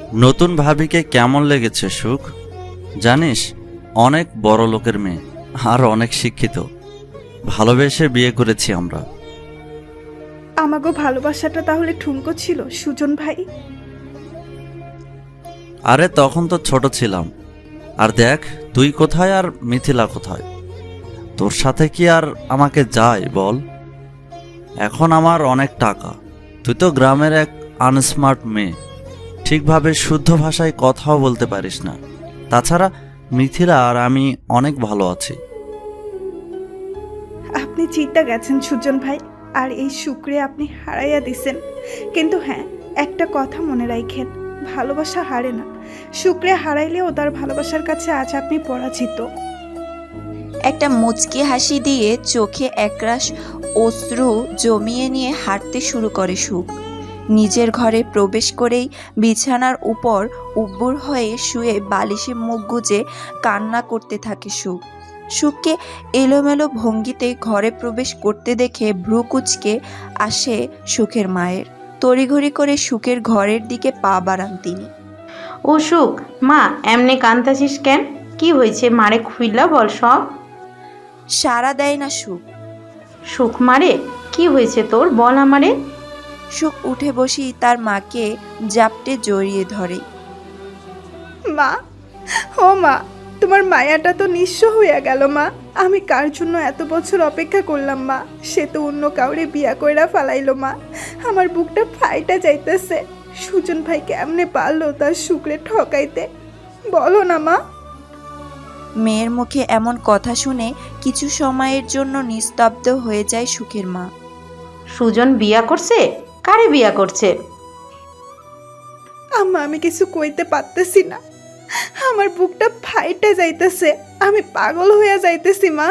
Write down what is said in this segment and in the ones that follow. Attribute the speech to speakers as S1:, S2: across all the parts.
S1: নতুন ভাবিকে কেমন লেগেছে সুখ? জানিস, অনেক বড় লোকের মেয়ে আর অনেক শিক্ষিত। ভালোবেসে বিয়ে করেছি আমরা।
S2: আমাগো ভালোবাসাটা তাহলে ঠুনকো ছিল সুজন ভাই?
S1: আরে তখন তো ছোট ছিলাম। আর দেখ, তুই কোথায় আর মিথিলা কোথায়? তোর সাথে কি আর আমাকে যায় বল? এখন আমার অনেক টাকা, তুই তো গ্রামের এক আনস্মার্ট মেয়ে, ঠিকভাবে শুদ্ধ ভাষায় কথাও বলতে পারিস না। তাছাড়া মিথিলা আর আমি অনেক ভালো আছি।
S2: আপনি জিতে গেছেন সুজন ভাই, আর এই শুক্রে আপনি হারাইয়া দিছেন। কিন্তু হ্যাঁ, একটা কথা মনে রাখেন, ভালোবাসা হারে না। শুক্রে হারাইলেও তার ভালোবাসার কাছে আজ আপনি পরাজিত।
S3: একটা মুচকি হাসি দিয়ে চোখে একরাশ অশ্রু জমিয়ে নিয়ে হাঁটতে শুরু করে সুখ। নিজের ঘরে প্রবেশ করেই বিছানার উপর উব্বুর হয়ে শুয়ে বালিশে মুখ গুজে কান্না করতে থাকে সুখ। সুখকে এলোমেলো ভঙ্গিতে ঘরে প্রবেশ করতে দেখে ভ্রু কুঁচকে আসে সুখের মায়ের। তড়িঘড়ি করে সুখের ঘরের দিকে পা বাড়ান তিনি।
S4: ও সুখ, মা এমনি কান্তাছিস কেন? কি হয়েছে মারে খুইলা বল সব।
S3: সাড়া দেয় না সুখ।
S4: সুখ মারে, কি হয়েছে তোর বল আমারে।
S3: সুখ উঠে বসি তার মাকে জাপটে জড়িয়ে ধরে।
S2: মা, ও মা, তোমার মায়াটা তো নিঃস্ব হইয়া গেল মা। আমি কার জন্য এত বছর অপেক্ষা করলাম মা, সে তো অন্য কাউরে বিয়া কইরা ফালাইলো মা। আমার বুকটা ফাইটা যাইতেছে। সুজন ভাই কেমনে পারলো তার শুক্রে ঠকাইতে, বলো না মা।
S3: মেয়ের মুখে এমন কথা শুনে কিছু সময়ের জন্য নিস্তব্ধ হয়ে যায় সুখের মা।
S4: সুজন বিয়া করছে? কারে বিয়া করছে?
S2: আম্মা, আমি কিছু কইতে পারতেছি না। আমার বুকটা ফাইটা যাইতেছে, আমি পাগল হইয়া যাইতেছি মা।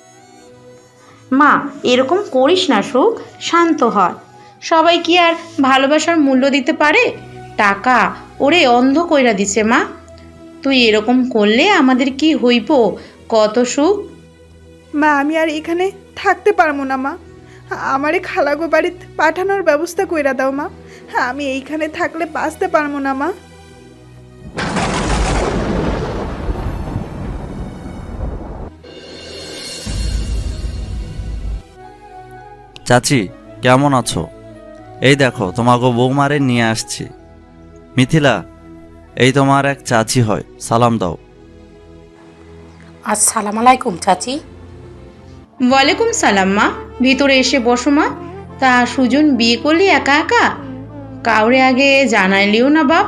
S4: মা এরকম করিস না সুখ, শান্ত হয়। সবাই কি আর ভালোবাসার মূল্য দিতে পারে? টাকা ওরে অন্ধ কইরা দিছে মা। তুই এরকম করলে আমাদের কি হইব কত সুখ।
S2: মা, আমি আর এখানে থাকতে পারবো না মা। আমারে খালাগো বাড়িতে পাঠানোর ব্যবস্থা কইরা দাও মা। আমি এইখানে থাকলে বাঁচতে পারবো না মা।
S1: চাচি, কেমন আছো? এই দেখো, তোমাকে বৌমারে নিয়ে আসছি। মিথিলা, এই তোমার এক চাচি হয়, সালাম দাও।
S5: আসসালামু আলাইকুম চাচি।
S4: ওয়ালাইকুম সালাম মা, ভিতরে এসে বসো মা। তা সুজন বিয়ে করলি একা একা? কাউরে আগে জানাইলিও না বাপ।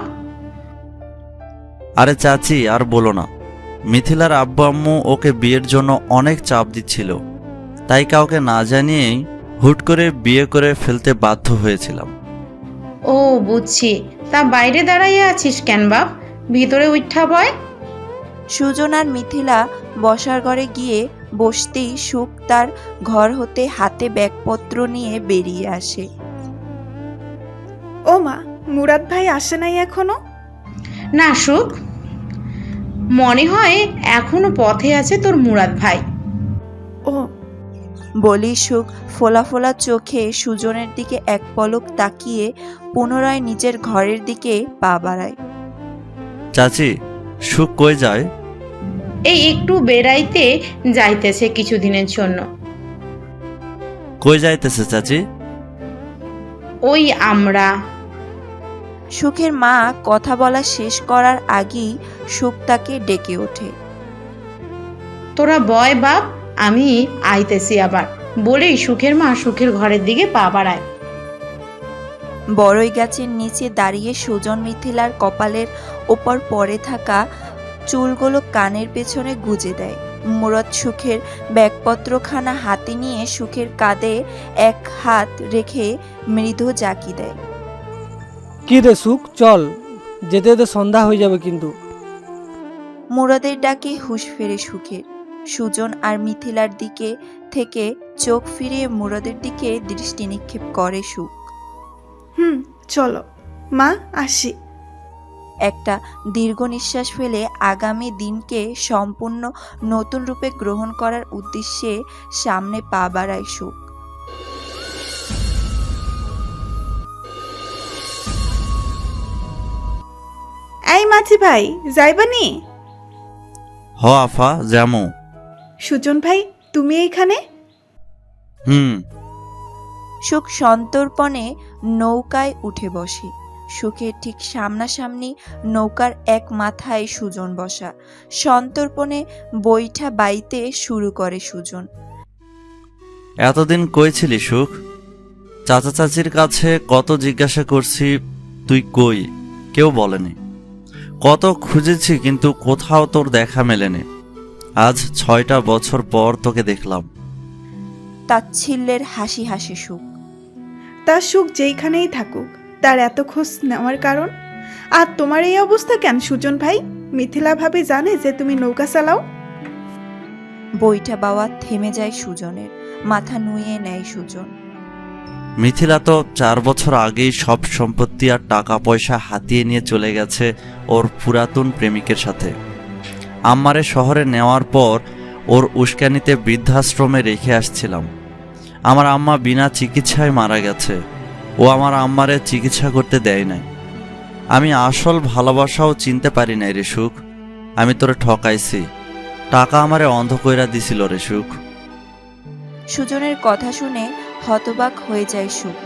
S1: আরে চাচি, আর বলো না। মিথিলার আব্বু আম্মু ওকে বিয়ের জন্য অনেক চাপ দিচ্ছিল, তাই কাউকে না জানিয়েই হুট করে বিয়ে করে ফেলতে বাধ্য হয়েছিলাম।
S4: ও বুঝছি, তা বাইরে দাঁড়াইয়া আছিস কেন বাপ? ভিতরে উঠা বয়।
S3: সুজন আর মিথিলা বসার ঘরে গিয়ে বসতেই সুখ তার ঘর হতে হাতে ব্যাগপত্র নিয়ে বেরিয়ে আসে।
S2: ও মা, মুরাদ ভাই আসে নাই এখনো?
S4: না সুখ, মনে হয় এখনো পথে আছে তোর মুরাদ ভাই।
S2: ও,
S3: বলি সুখ ফোলা ফোলা চোখে সুজনের দিকে এক পলক তাকিয়ে পুনরায় নিজের ঘরের দিকে পা বাড়ায়।
S1: চাচি, সুখ কই যায়?
S4: এই একটু বেড়াইতে যাইতেছে কিছুদিনের জন্য।
S1: কই যাইতেছে চাচি?
S4: ওই আমরা।
S3: সুখের মা কথা বলা শেষ করার আগেই সুখ তাকে ডেকে ওঠে।
S4: তোরা বয় বাপ, আমি আইতেছি আবার, বলেই সুখের মা সুখের ঘরের দিকে পা বাড়ায়।
S3: বড়ই গাছের নিচে দাঁড়িয়ে সুজন মিথিলার কপালের ওপর পড়ে থাকা চুলগুলো কানের পেছনে গুজে দেয়। মুরাদ সুখের ব্যাগপত্রখানা হাতে নিয়ে সুখের কাঁধে এক হাত রেখে মৃদু জাকি দেয়।
S6: কি রে সুখ, চল, যেতে যেতে সন্ধ্যা হয়ে যাবে কিন্তু।
S3: মুরাদের ডাকে হুঁশ ফেরে সুখের। সুজন আর মিথিলার দিকে থেকে চোখ ফিরিয়ে মুরাদের দিকে দৃষ্টি নিক্ষেপ করে সুখ।
S2: চলো মা, আসি।
S3: একটা দীর্ঘ নিঃশ্বাস ফেলে আগামী দিনকে সম্পূর্ণ নতুন রূপে গ্রহণ করার উদ্দেশ্যে সামনে পা বাড়ায় সুখ।
S2: এই মাছি ভাই যাইবানি?
S1: হ আফা যেমন।
S2: সুজন ভাই তুমি এইখানে?
S1: হুম।
S3: সুখ সন্তর্পণে নৌকায় উঠে বসে। সুখের ঠিক সামনাসামনি নৌকার এক মাথায় সুজন বসা। সন্তর্পণে বৈঠা বাইতে শুরু করে সুজন।
S1: এতদিন কই ছিলি সুখ? চাচা চাচির কাছে কত জিজ্ঞাসা করছি, তুই কই? কেউ বলেনি। কত খুঁজেছি কিন্তু কোথাও তোর দেখা মেলেনি। আজ 6টা বছর পর তোকে দেখলাম।
S3: তাচ্ছিল্যের হাসি হাসে সুখ।
S2: তার সুখ যেইখানেই থাকুক, তার এত খোঁজ নেওয়ার কারণ? আর তোমার এই অবস্থা কেন সুজন ভাই? মিথিলা ভাবি জানে যে তুমি নৌকা চালাও?
S3: বৈঠা বাওয়া থেমে যায় সুজনের। মাথা নুয়ে নেয় সুজন।
S1: মিথিলা তো 4 বছর আগেই সব সম্পত্তি আর টাকা পয়সা হাতিয়ে নিয়ে চলে গেছে ওর পুরাতন প্রেমিকের সাথে। আম্মারে শহরে নেওয়ার পর ওর উস্কানিতে বৃদ্ধাশ্রমে রেখে আসছিলাম। আমার আম্মা বিনা চিকিৎসায় মারা গেছে। ও আমার আম্মারে চিকিৎসা করতে দেয় নাই। আমি আসল ভালোবাসাও চিনতে পারি নাই রে সুখ। আমি তোরে ঠকাইছি। টাকা আমারে অন্ধ কইরা দিছিল রে সুখ।
S3: সুজনের কথা শুনে হতবাক হয়ে যায় সুখ।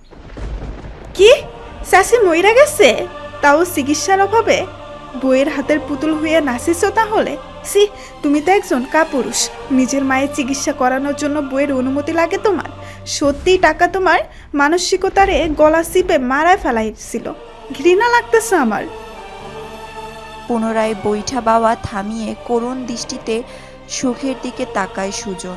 S2: কি? চাষি মইরা গেছে? তাও চিকিৎসার অভাবে? বইয়ের হাতের পুতুল হইয়া নাচিস তাহলে? সি, তুমি তো একজন কাপুরুষ। নিজের মায়ের চিকিৎসা করানোর জন্য বইয়ের অনুমতি লাগে তোমার? সত্যিই টাকা তোমার মানসিকতারে গলা চিপে মারায় ফেলাইছিল। ঘৃণা লাগতেছে আমার।
S3: পুনরায় বৈঠা বাওয়া থামিয়ে করুণ দৃষ্টিতে সুখের দিকে তাকায় সুজন।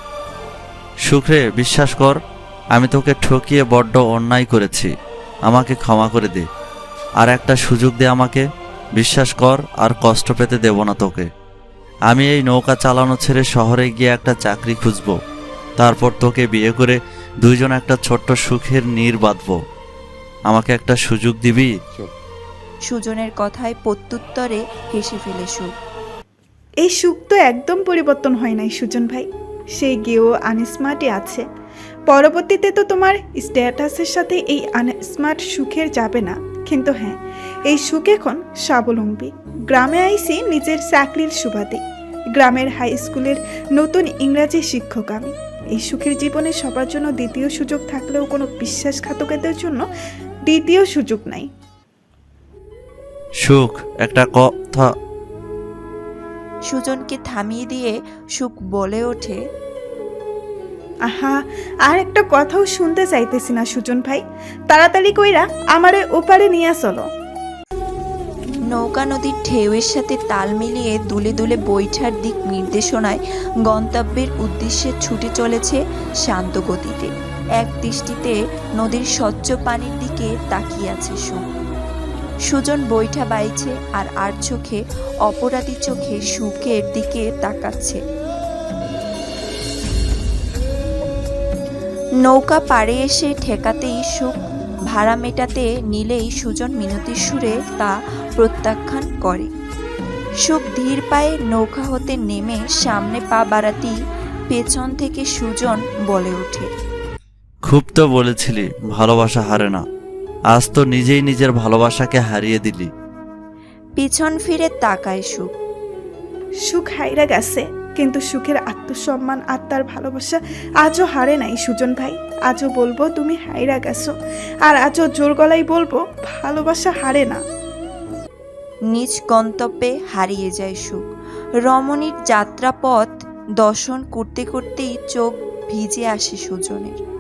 S1: সুখরে বিশ্বাস কর, আমি তোকে ঠকিয়ে বড্ড অন্যায় করেছি। আমাকে ক্ষমা করে দে। আর একটা সুযোগ দে আমাকে। বিশ্বাস কর, আর কষ্ট পেতে দেব না তোকে। আমি এই নৌকা চালানো ছেড়ে শহরে গিয়ে একটা চাকরি খুঁজব। তারপর তোকে বিয়ে করে দুইজন একটা ছোট্ট সুখের নীড় বাঁধব। আমাকে একটা সুযোগ দিবি?
S3: সুজনের কথায় প্রত্যুত্তরে হেসে ফেলে সুখ।
S2: এই সুখ তো একদম পরিবর্তন হয় নাই সুজন ভাই। সেই গেও আনস্মার্টই আছে। পরবর্তীতে তো তোমার স্ট্যাটাসের সাথে এই আনস্মার্ট সুখের যাবে না। কিন্তু হ্যাঁ, এই সুখ এখন স্বাবলম্বী। গ্রামে আইসি নিজের চাকরির সুবাদে। গ্রামের হাই স্কুলের নতুন ইংরাজি শিক্ষক আমি। এই সুখের জীবনে সবার জন্য দ্বিতীয় সুযোগ থাকলেও কোনো বিশ্বাসঘাতকদের জন্য দ্বিতীয় সুযোগ নাই।
S1: সুখ, একটা কথা।
S3: সুজনকে থামিয়ে দিয়ে সুখ বলে ওঠে,
S2: আহা, আর একটা কথাও শুনতে চাইতেছি না সুজন ভাই। তাড়াতাড়ি কইরা আমারে ওপারে নিয়ে চলো।
S3: নৌকা নদীর ঢেউয়ের সাথে তাল মিলিয়ে দুলে দুলে বৈঠার দিক নির্দেশনায় গন্তব্যের উদ্দেশ্যে ছুটে চলেছে শান্ত গতিতে। এক দৃষ্টিতে নদীর স্বচ্ছ পানির দিকে তাকিয়ে আছে সুখ। সুজন বৈঠা বাইছে আর আর চোখে অপরাধী চোখে সুখের দিকে তাকাচ্ছে। নৌকা পাড়ে এসে ঠেকাতেই সুখ ভাড়া মেটাতে নিলেই সুজন মিনতির সুরে তা প্রত্যাখ্যান করে। সুখ ধীর পায়ে নৌকা হতে নেমে সামনে পা বাড়াতেই পেছন থেকে সুজন বলে ওঠে,
S1: খুব তো বলেছিলি ভালোবাসা হারে না। আজ তো নিজেই নিজের ভালোবাসাকে হারিয়ে দিলি।
S3: পিছন ফিরে তাকায় সুখ।
S2: সুখ হাইরা গেছে, কিন্তু সুখের আত্মসম্মান আর তার ভালোবাসা আজও হারে নাই সুজন ভাই। আজও বলবো তুমি হাইরা গেছো, আর আজও জোর গলায় বলবো ভালোবাসা হারে না।
S3: নিজ গন্তব্যে হারিয়ে যায় সুখ। রমণীর যাত্রাপথ দর্শন করতে করতেই চোখ ভিজে আসে সুজনের।